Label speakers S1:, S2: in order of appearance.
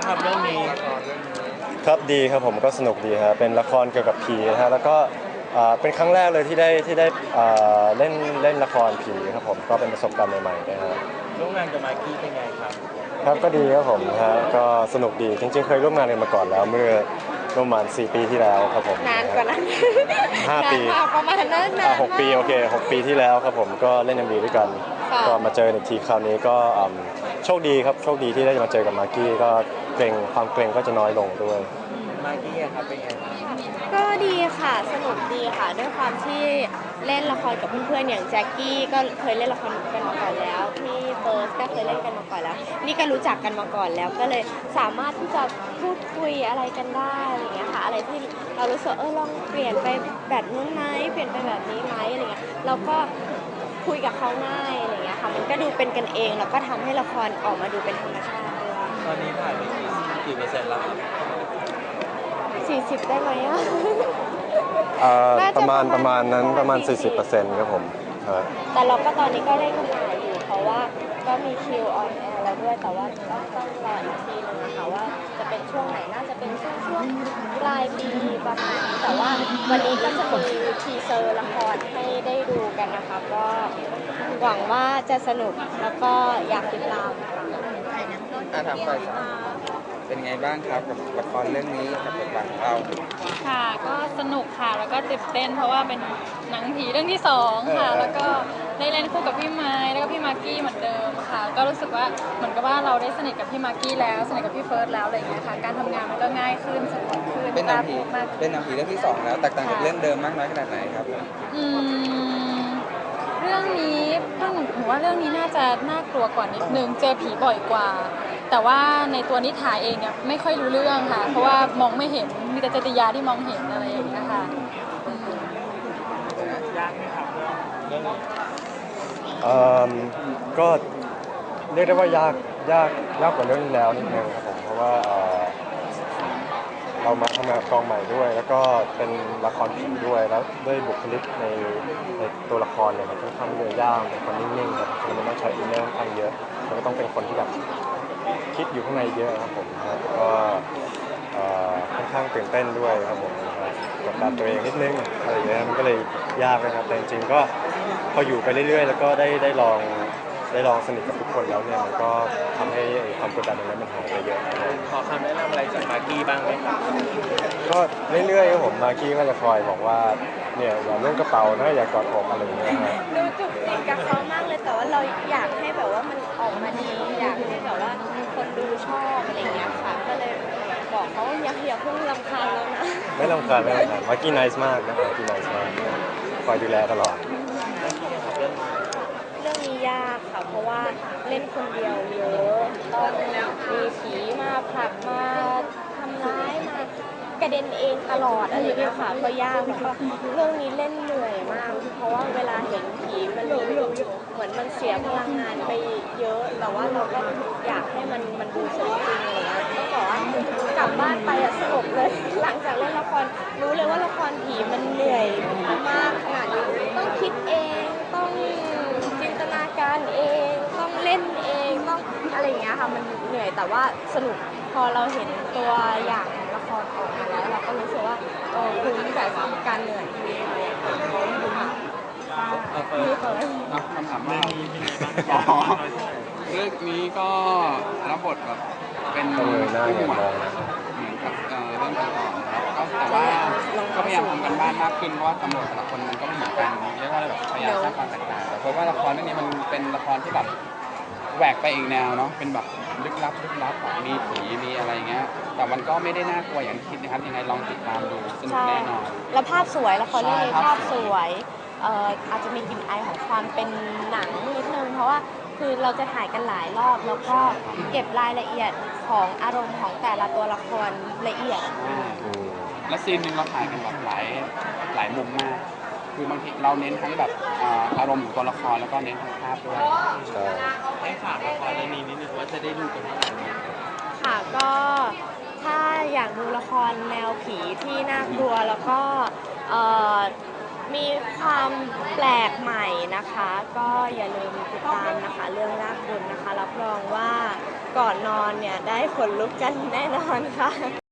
S1: ครับเรื่องนี้
S2: ครับดีครับผมก็สนุกดีครับเป็นละครเกี่ยวกับผีนะฮะแล้วก็เป็นครั้งแรกเลยที่ได้เล่นละครผีครับผมก็เป็นประสบการณ์ใหม่ๆนะฮะ
S1: ร่วมงานกับมากกี้เป็นไงครับ
S2: ครับก็ดีครับผมฮะก็สนุกดีจริงๆเคยร่วมงานกันมาก่อนแล้วเมื่อประมาณ4 ปีที่แล้วครับผม
S3: นานกว่านั้น
S2: 5 ปี
S3: ประมาณนั้นนาน
S2: 6 ปีโอเค6 ปีที่แล้วครับผมก็เล่น MV ด้วยกันก็มาเจออีกทีคราวนี้ก็โชคดีครับโชคดีที่ได้มาเจอกับมากกี้ก็ความเกรงก็จะน้อยลงด้วย
S1: มากกี้ครับเป็นไง
S3: ก็ดีค่ะสนุกดีค่ะด้วยความที่เล่นละครกับเพื่อนๆอย่างแจ็คกี้ก็เคยเล่นละครกันมาก่อนแล้วพี่เฟิร์สก็เคยเล่นกันมาก่อนแล้วนี่ก็รู้จักกันมาก่อนแล้วก็เลยสามารถที่จะพูดคุยอะไรกันได้อะไรอย่างเงี้ยค่ะอะไรที่เรารู้สึกลองเปลี่ยนไปแบบนู้นไหมเปลี่ยนไปแบบนี้ไหมอะไรเงี้ยเราก็คุยกับเขาง่ายอะไรเงี้ยค่ะมันก็ดูเป็นกันเองแล้วก็ทำให้ละครออกมาดูเป็นธรรมชาติด้วย
S1: ตอนนี้ถ่ายไปกี่เปอร์เซ็นต์แล้วครับ
S3: 40ได้ไหมอ่ะ
S2: ประมาณนั้นประมาณ 40%ครับผม
S3: แต่เราก็ตอนนี้ก็ได้ทำงานอยู่เพราะว่าก็มีคิวออนแอร์แล้วด้วยแต่ว่าต้องรออีกทีนึงนะคะว่าจะเป็นช่วงไหนน่าจะเป็นช่วงปลายปีประมาณนี้แต่ว่าวันนี้ก็จะมีทีเซอร์ละครให้ได้ดูกันนะคะก็หวังว่าจะสนุกแล้วก็อยากติดตาม
S1: ค่ะถามไปเป็นไงบ้างครับกับละครเรื่องนี้กับบทบาทของเรา
S4: ค่ะก็สนุกค่ะแล้วก็ตื่นเต้นเพราะว่าเป็นหนังผีเรื่องที่2ค่ะแล้วก็ได้เล่นคู่กับพี่ไม้แล้วก็พี่มากกี้เหมือนเดิมค่ะก็รู้สึกว่าเหมือนกับว่าเราได้สนิทกับพี่มากกี้แล้วสนิทกับพี่เฟิร์สแล้วอะไรอย่างเงี้ยค่ะการทำงานมันก็ง่ายขึ้นสนุกขึ้น
S1: เป็นหนังผีเรื่องที่2แล้วแตกต่างจากเรื่องเดิมมากน้อยขนาดไหนครับ
S4: เรื่องนี้ผมว่าเรื่องนี้น่าจะน่ากลัวกว่านิดนึงเจอผีบ่อยกว่าแต่ว่าในตัวนิถาเองเนี่ยไม่ค่อยรู้เรื่องค่ะเพราะว่ามองไม่เห็นมีแต่จติยาที่มองเห็นอะไรอย่างเงี้ยค่ะ
S1: ยากไหมครับเรื่องนี้
S2: ก็เรียกได้ว่ายากกว่าเรื่องที่แล้วนิดนึงครับผมเพราะว่าเรามาทำงานกองใหม่ด้วยแล้วก็เป็นละครผีด้วยแล้วด้วยบุคลิกในตัวละครเนี่ยมันค่อนข้างเยอะย่างเป็นคนนิ่งๆครับมันต้องใช้อินเนอร์ค่อนข้างเยอะแล้วก็ต้องเป็นคนที่แบบคิดอยู่ข้างในเยอะครับผมครับก็ค่อนข้างตื่นเต้นด้วยครับผมกดดันตัวเองนิดนึงอะไรอย่างเงี้ยมันก็เลยยากนะครับแต่จริงๆก็พออยู่ไปเรื่อยๆแล้วก็ได้ลองสนิทกับทุกคนแล้วเนี่ยมันก็ทำให้ความกดดันตรงนั้นมันหายไปเยอะ
S1: ขอคำแนะนำอะไรจากมากกี้บ้างไหมครับ
S2: ก็เรื่อยๆครับผมมากกี้ก็จะคอยบอกว่าเนี่ยอย่าเล่นกระเป๋านะอย่ากอดอกอะไรอย่างเงี้ยครับ
S3: ดูจุกจิกกับเขามากเลยแต่ว่าเราอยากให้แบบว่ามันออกมาดีอยากให้แบบว่าคนดูชอบอะไรอย่างเงี้ยค่ะก็เลยบอกเขาอย่าเพิ่งรำคาญแล้วนะ
S2: ไม่รำคาญมากกี้ไนส์มากนะมากกี้ไนส์มากคอยดูแลตลอด
S3: เรื่องนี้ยากค่ะเพราะว่าเล่นคนเดียวเยอะต้องมีผีมาผลักมาทำร้ายมากระเด็นเองตลอดอะไรอย่างเงี้ยค่ะก็ยากแล้วก็เรื่องนี้เล่นเหนื่อยมากเพราะว่าเวลาเห็นผีมันเหมือนมันเสียพลังงานไปเยอะแต่ว่าเราก็อยากให้มันดูสมจริงอะไรเงี้ยต้องบอกว่ากลับบ้านไปสงบเลยหลังจากเล่นละครรู้เลยว่าละครผีมันเหนื่อยมากขนาดนี้ต้องคิดเองต้องจินตนาการเองต้องเล่นเองต้องอะไรอย่างเงี้ยค่ะมันเหนื่อยแต่ว่าสนุกพอเราเห็นตัวอย่างละครออกมาแล้วเราก็รู้สึกว่าคุ้มกับการเหนื่อย
S5: คำถามว่าเรื่องนี้ก็รับบทแบบเป็นผู้หมวดเหมือนกับเรื่องก่อนๆนะครับก็แต่ว่าก็พยายามทำกันบ้านมากขึ้นเพราะว่าตำรวจแต่ละคนมันก็ไม่เหมือนกันเรียกว่าแบบพยายามสร้างความแตกต่างแต่เพราะว่าละครเรื่องนี้มันเป็นละครที่แบบแหวกไปอีกแนวเนาะเป็นแบบลึกลับมีผีมีอะไรเงี้ยแต่มันก็ไม่ได้น่ากลัวอย่างที่คิดนะครับยังไงลองติดตามดูสนุกแน่นอน
S3: แล้วภาพสวยละครเรื่องนี้ภาพสวยอาจจะมีกลิ่นอายของความเป็นหนังนิดนึงเพราะว่าคือเราจะถ่ายกันหลายรอบแล้วก็เก็บรายละเอียดของอารมณ์ของแต่ละตัวละครละเอียด
S5: และซีนนึงเราถ่ายกันแบบหลายมุมมากคือบางทีเราเน้นทั้งแบบอารมณ์ของตัวละครแล้วก็เน้นทั้งภาพด้วย
S2: ใช่
S1: ให้ฝากละครเรื่องนี้นิดนึงว่าจะได้ดูกันเมื่อไหร่
S3: ค่ะก็ถ้าอยากดูละครแนวผีที่น่ากลัวแล้วก็มีความแปลกใหม่นะคะก็อย่าลืมติดตามนะคะเรื่องรากบุญนะคะรับรองว่าก่อนนอนเนี่ยได้ขนลุกกันแน่นอนค่ะ